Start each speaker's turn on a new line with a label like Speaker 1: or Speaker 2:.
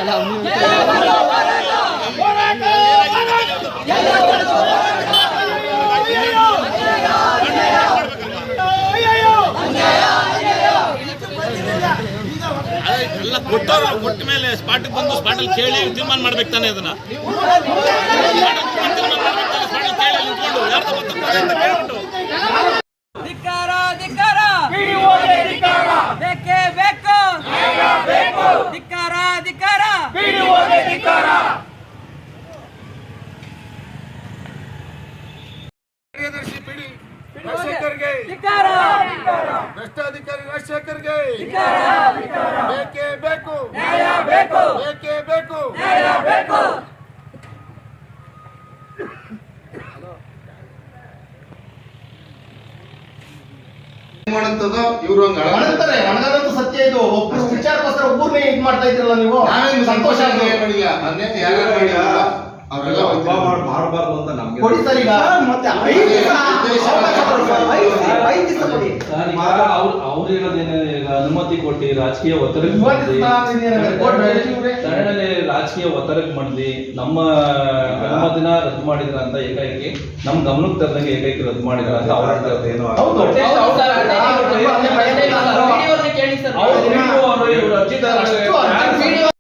Speaker 1: ಎಲ್ಲ ಕೊಟ್ಟವ್ರು ಕೊಟ್ಟ ಮೇಲೆ ಸ್ಪಾಟಿಗೆ ಬಂದು ಸ್ಪಾಟಲ್ಲಿ ಕೇಳಿ ತೀರ್ಮಾನ ಮಾಡ್ಬೇಕು ತಾನೆ ಅದನ್ನ
Speaker 2: ಬೇಕೇ ಬೇಕು ಧಿಕ್ಕಾರ ಧಿಕ್ಕಾರ
Speaker 3: ಕಾರ್ಯದರ್ಶಿ ಪಿಡಿ ರಾಜಶೇಖರ್ಗೆ ಭ್ರಷ್ಟಾಧಿಕಾರಿ ರಾಜಶೇಖರ್ಗೆ ಬೇಕೇ ಬೇಕು ಬೇಕೇ ಬೇಕು ಮಾಡುತ್ತದೋ ಇವರು
Speaker 4: ಮಾಡ್ತಾರೆ. ಒಣಗದಂತೂ ಸತ್ಯ ಇದು. ಒಬ್ಬರು ವಿಚಾರಕ್ಕೋಸ್ಕರ ಒಬ್ಬರನ್ನೇ ಇದು ಮಾಡ್ತಾ ಇದ್ರಲ್ಲ ನೀವು. ಸಂತೋಷ
Speaker 3: ಮಾಡಿಲ್ಲ ಮೊನ್ನೆ ಯಾರು ಮಾಡಿಲ್ಲ ಅವರೆಲ್ಲ
Speaker 5: ಮಾಡಬಾರ್ದು ಅಂತ ನಮ್ಗೆ
Speaker 4: ಕೊಡಿ ಸರ್. ಈಗ ಮತ್ತೆ 5 ದಿವಸ ಕೊಡಿ.
Speaker 5: ಅವ್ರು ಹೇಳೋದೇನೇ ಅನುಮತಿ ಕೊಟ್ಟು ರಾಜಕೀಯ ಒತ್ತಡಕ್ಕೆ ತರಣನೆ ರಾಜಕೀಯ ಒತ್ತಡಕ್ಕೆ ಮಾಡಿದ್ವಿ. ನಮ್ಮ ಅನುಮತಿನ ರದ್ದು ಮಾಡಿದ್ರ ಅಂತ ಏಕೈಕಿ ನಮ್ ಗಮನಕ್ಕೆ ತರದಂಗೆ ಏಕೈಕಿ ರದ್ದು ಮಾಡಿದ್ರ ಅಂತ ಅವ್ರ ಏನೋ ಅರ್ಜಿದಾರ